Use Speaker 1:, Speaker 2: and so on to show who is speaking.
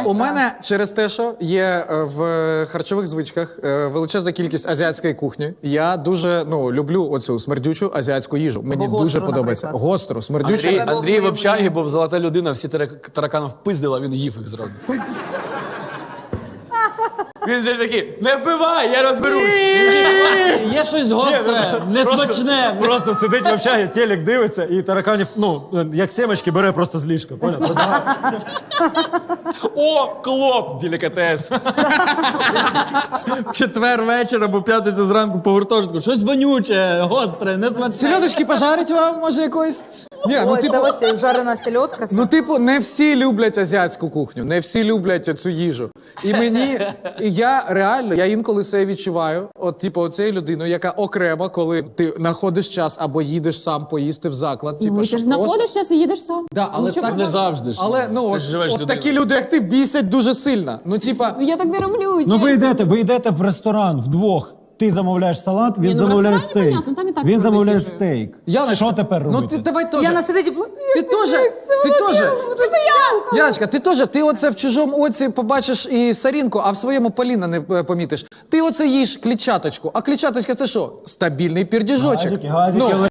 Speaker 1: У мене через те, що є в харчових звичках величезна кількість азіатської кухні. Я дуже люблю оцю смердючу азіатську їжу. Мені дуже подобається. Гостру, смердючу.
Speaker 2: Андрій в общагі був золота людина, всі тараканів впиздила, він їв їх зразу. Він же такий, не вбивай, я розберусь.
Speaker 3: Є щось гостре, несмачне.
Speaker 4: Просто сидить в общагі, телек дивиться, і тараканів, як семечки, бере просто з ліжка. Поняв?
Speaker 2: О, клоп, делікатес.
Speaker 3: Четвер вечір або п'ятницю зранку по гуртожитку. Щось вонюче, гостре, несмачне.
Speaker 1: Сельодочки пожарить вам, може, якоїсь? Ні,
Speaker 5: Ой, це ось жарена сельодка.
Speaker 1: не всі люблять азіатську кухню, не всі люблять цю їжу. І я реально, я інколи це відчуваю, оцею людиною, яка окремо, коли ти знаходиш час або їдеш сам поїсти в заклад.
Speaker 6: Ну, ти ж знаходиш час і їдеш сам.
Speaker 1: Да, але
Speaker 6: Нічого
Speaker 1: так
Speaker 2: Не завжди ж.
Speaker 1: Але
Speaker 2: Ти ж живеш
Speaker 1: от
Speaker 2: людиною.
Speaker 1: такі люди, як ти, бісять дуже сильно.
Speaker 6: Я так не роблю.
Speaker 4: Ну ви йдете в ресторан вдвох. Ти замовляєш салат, він
Speaker 6: Ні, ну, в
Speaker 4: замовляє
Speaker 6: ресторані,
Speaker 4: стейк.
Speaker 6: понятно, там і так
Speaker 4: Він замовляє
Speaker 6: смачніше.
Speaker 4: стейк.
Speaker 1: Яночка,
Speaker 4: Що тепер робити?
Speaker 1: Ну ти давай теж.
Speaker 5: Яна сидить і...
Speaker 1: Яночка, ти оце в чужому оці побачиш і сорінку, а в своєму Поліна не помітиш. Ти оце їш клітчаточку. А клітчаточка це що? Стабільний пірдіжочок.
Speaker 4: Газики,